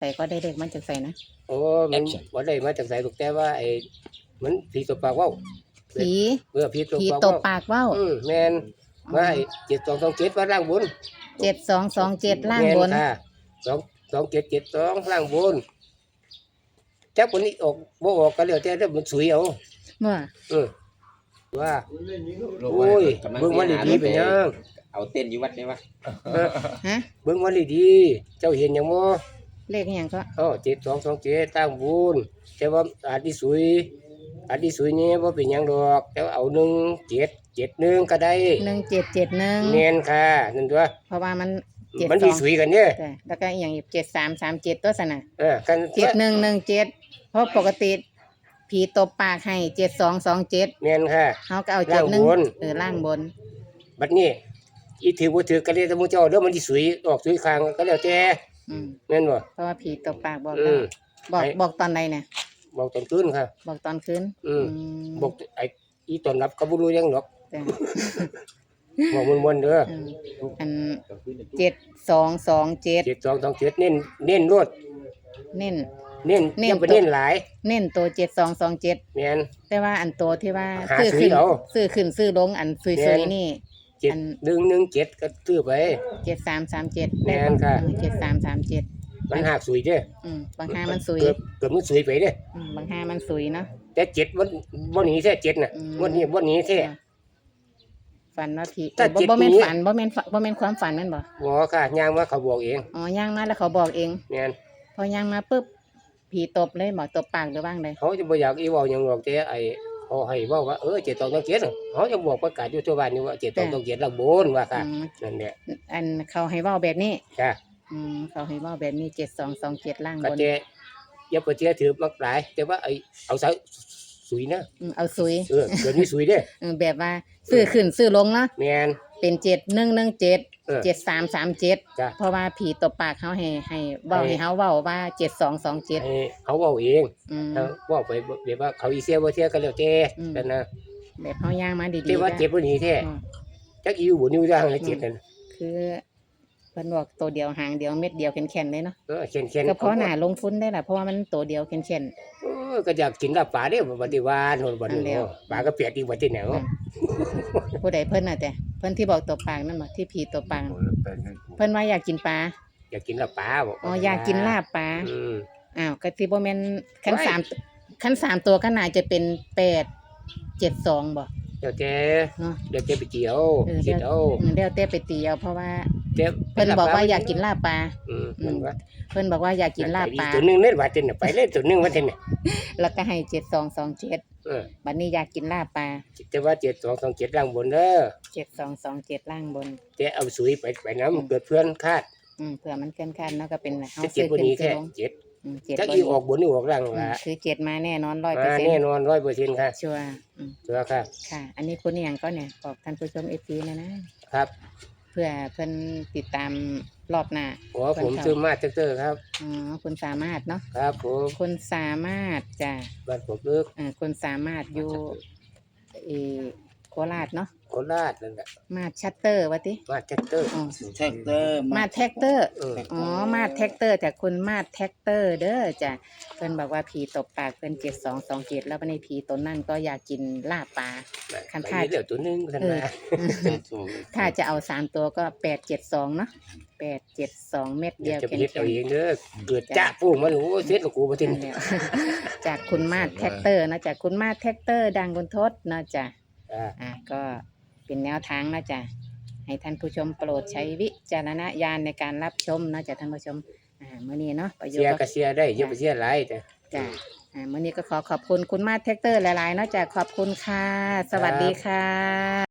แต่ก็ได้เลขมันจากใส่นะโอ้มันบ่ได้มาจากไสหรอกแต่ว่ามันผีตบปากเว้าผีผีตบผีปากตบเว้าปากเว้าแม่นว่า7227ว่าล่างบน 7227ล่างบนแม่ค่ะ2772ล่างบนจักวันนี้ออกบ่ออกก็แล้วแต่เด้อมันสวยเอาเมื่อว่าโอ้ยเบิ่งวันดีๆเป็นหยังเอาเต้นอยู่วัดได้ปะฮะเบิ่งวันดีๆเจ้าเห็นหยังบ่เลขอหย่างก็ 7227ตั้งบุญแต่ว่าอาจสิสวยนี่บ่เป็นหยังดอกแต่ว่าเอา1771ก็ได้ 1771 แม่นค่ะนั่นตัวเพราะว่ามันมันสิสวยกันเด้อแต่แล้วก็อหย่างอีก7337ตัวสนะกัน 7117เพราะปกติผีตบปากให้7227 แม่นค่ะเฮาก็เอาล่างบน 71ล่างบนบัดนี้อีถือบ่ถือก็แล้วแต่หมู่เจ้าเด้อมันสิสวยออกสวยข้างก็แล้วแต่อืมแม่นบ่เพราะว่าผีตบปากบอกอืแล้วมบอกตอนใดเนี่ยบอกตอนคืนค่ะบอกตอนคืนมมบอกอีตอนรับก็บ่รู้หยังดอกแต่บอกม่วนๆเด้ออืมอัน7227 7227เน้นรวดเน้นเน้นเน้นอย่าไปเน้นหลายเน้นตัว7227 แม่นแต่ว่าอันตัวที่ว่าหาซื้อซื้อขึ้นเอาซื้อขึ้นซื้อลงอันซุยแม่นๆนี่ อัน 7117ก็ซื้อไป 7337 แม่นค่ะ 7337 มันหักสวยเด้อบางห้ามันซุยเกือบมันสวยไปเด้อบางห้ามันซุยเนาะแต่7มันบ่หนีแท้7น่ะอืมวันนี้บ่หนีแท้ฝันว่าผีถ้าบ่จิตบ่แม่นนี้ฝันบ่แม่นความฝันแม่นบ่บ่ค่ะย่างว่าเขาบอกเองอ๋อย่างมาแล้วเขาบอกเองแม่นพอย่างมาปุ๊บผีตบเลยบ่ตบปากหรือว่างใดเขาจะบ่อยากอีเว้าหยังหรอกแต่เขาให้เว้าว่า7227เขาจะบอกประกาศอยู่ทั่วบ้านนี่ว่า7227ละบนว่าค่ะอืมนั่นแหละอันเขาให้เว้าแบบนี้จ้ะเขาให้เว้าแบบนี้7227ล่างก็บนแต่อย่าไปเชื่อถือมักหลายแต่ว่าเอาสายสุยนะเอาซุยเดี๋ยวนี้สุยเด้อแบบว่าซื้อขึ้นซื้อลงเนาะแม่นเป็น7117 7337 จ้ะเพราะว่าผีตบปากเขาให้เว้าให้เฮาเว้าว่า7227 ให้เขาเว้าเองอืมถ้าเว้าไปแบบว่าเขาอีเสียบ่เสียก็แล้วแต่อืมแต่นะแบบเฮาย่างมาดีๆแต่ว่าก็เจ็บบ่หนีแท้อืมจักอยู่บ่อยู่ย่างเลยเจ็บนั่นคือเพิ่นบอกตัวเดียวหางเดียวเม็ดเดียวแข็งๆเลยเนาะเข็นๆก็เพราะหน้าลงทุนได้ล่ะเพราะว่ามันตัวเดียวแข็งก็อยากกินลาบปลาเด้อบัดนี้ว่าโน่นบัดนั่นแล้นี้วปลาก็เปียกอีกบัดนี้แหนวๆผู้ใดเพิ่นน่ะแต่เพิ่นที่บอกตัวปากนั่นบ่ที่ผีตัวปากเพิ่นว่าอยากกินปลาอยากกินลาบปลาบ่อ๋ออยากกินลาบปลาอืมอ้าวก็สิบ่แม่นคันไว้ 3ตัวก็น่าจะเป็น872บ่เดี๋ยวแต่เนาะเดี๋ยวแต่ไปเจียวเดี๋คิยดวเอาแล้วแต่ไปตีเอาเพราะว่าแต่เพิ่นบอกว่าอยากกินลาบปลานั่นว่าเพิ่นบอกว่าอยากกินลาบปลาตัวหนึงเล่นว่าเต็นน่ะไปเล่นตัวหนึงว่าเต็นน่ะแล้วก็ให้7227 เออบัดนี้อยากกินลาบปลาแต่ว่า7227ล่างบนเด้อ 7227ล่างบนแต่เอาสุยไปน้ำเกิดเพื่อนคาดเผื่อมันเกินคาดเนาะก็เป็นเฮาจะเจ็ซื้บอบ่ขึ้นนี้ซื้อแท้ลงเจ็ด 7 จักบ่อีออกบนนี่ออกล่างล่ะคือ7มาแน่นอนมาแน่ 100% นอน 100%ค่ะชัวร์ชัวร์ค่ะค่ะ อันนี้คุณอหย่างก็เนี่ยบอกท่านผู้ชม FC นะครับ เพื่อเพิ่นติดตามรอบหน้าโอ้ผมซื้อมาเตอร์ครับอ๋อคุณสามารถเนาะครับผมคุณสามารถจ้ะบ้านผมเลิกคุณสามารถอยู่เออโคราชเนาะโคราชนั่นแหละมาชัตเตอร์ว่าติมาเตอร์อ๋อแท็กเตอร์มาแท็กเตอร์เอออ๋อมาแท็กเตอร์จากคุณมาแท็กเตอร์เด้อจ้ะเพิ่นบอกว่าผีตบปากเพิ่น7227แล้วในผีตนนั่นก็อยากกินลาบปลา คันไปท่าเดี๋ยวตัวหนึงท่านว่าถ้าจะเอา3ตัวก็872เนาะ872เม็ดเดี๋เดียยว วจะไปเข็เฮ็ดเอานเองเด้อเกิดจ้าปูมันโอ้เสร็จแล้วกูบ่ทินๆแล้ว จากคุณมาแท็กเตอร์นะจากคุณมาแท็กเตอร์ดังบนทศนะจ้ะ ก็เป็นแนวทางนะจ๊ะให้ท่านผู้ชมโปรดใช้วิจารณญาณในการรับชมนะจ๊ะท่านผู้ชมมื้อนี้เนาะประโยชเสียน์ก็เสียได้อย่าไปเสียหลายแต่จ้ะมื้อนี้ก็ขอบคุณคุณมาแท็กเตอร์หลายๆเนาะจ้ะขอบคุณค่ะ สวัสดีค่ะ